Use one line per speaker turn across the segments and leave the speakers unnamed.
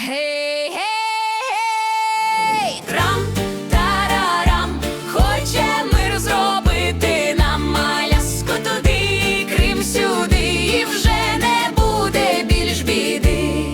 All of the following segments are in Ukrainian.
Гей, гей, гей! Трам-тарарам, хоче мир зробити нам, Аляску туди, Крим сюди, і вже не буде більш біди.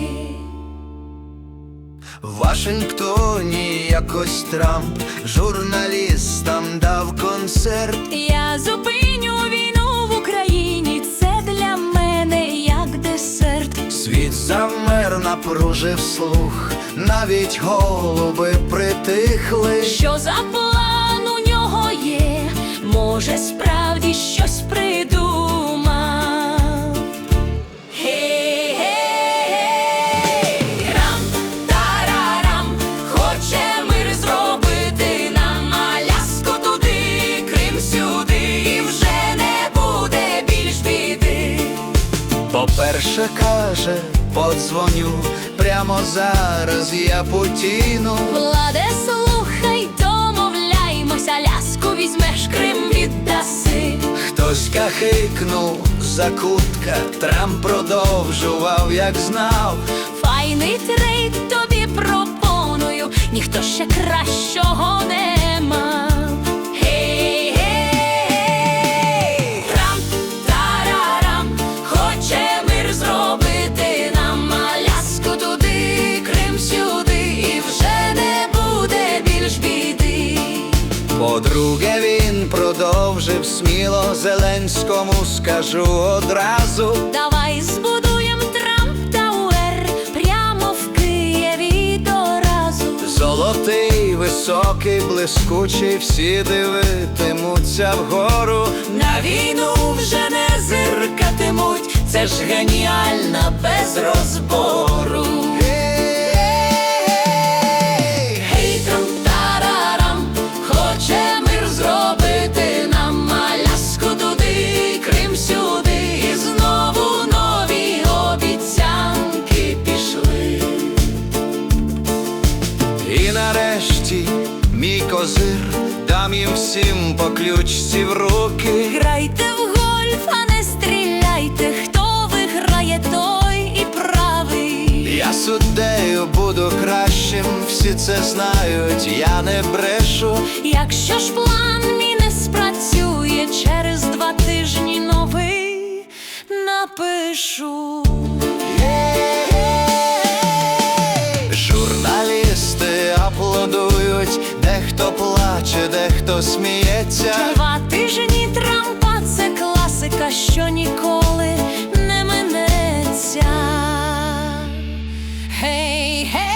В Вашингтоні якось Трамп журналістам дав концерт.
Я зупиню війну в Україні, це для мене як десерт.
Світ замер, напружив слух, навіть голуби притихли.
Що за план у нього є? Може, справді щось придумав? Гей, гей, гей! Рам-тарарам, хоче мир зробити нам, Аляску туди, Крим сюди, і вже не буде більш біди.
По-перше, каже, подзвоню прямо зараз я Путіну.
Владе, слухай, домовляймось, Аляску візьмеш, Крим віддаси.
Хтось кахикнув, закутка, Трамп продовжував, як знав.
Файний трейд тобі пропоную, ніхто ще кращого не мав. Гей, гей, гей! Трам-тарарам, хоче мир зробити нам, Аляску туди, Крим сюди, і вже не буде більш біди.
По-друге, він продовжив сміло, Зеленському скажу одразу.
Давай збудуєм Трамп-тауер прямо в Києві до разу.
Золотий, високий, блискучий, всі дивитимуться вгору.
На війну вже не зиркатимуть, це ж геніальна без розбору. Гей, трам-тарарам, хоче мир зробити нам, Аляску туди, Крим сюди, і знову нові обіцянки пішли.
І нарешті мій козир, дам їм всім по ключці в руки.
Грайте в гольф, а не стріляйте, хто виграє, той і правий.
Я суддею буду кращим, всі це знають, я не брешу.
Якщо ж план мій не спрацює, через 2 тижні новий напишу.
Журналісти аплодують, дехто плаче, дехто сміється.
2 тижні Трампа – це класика, що ніколи не минеться. Гей, гей!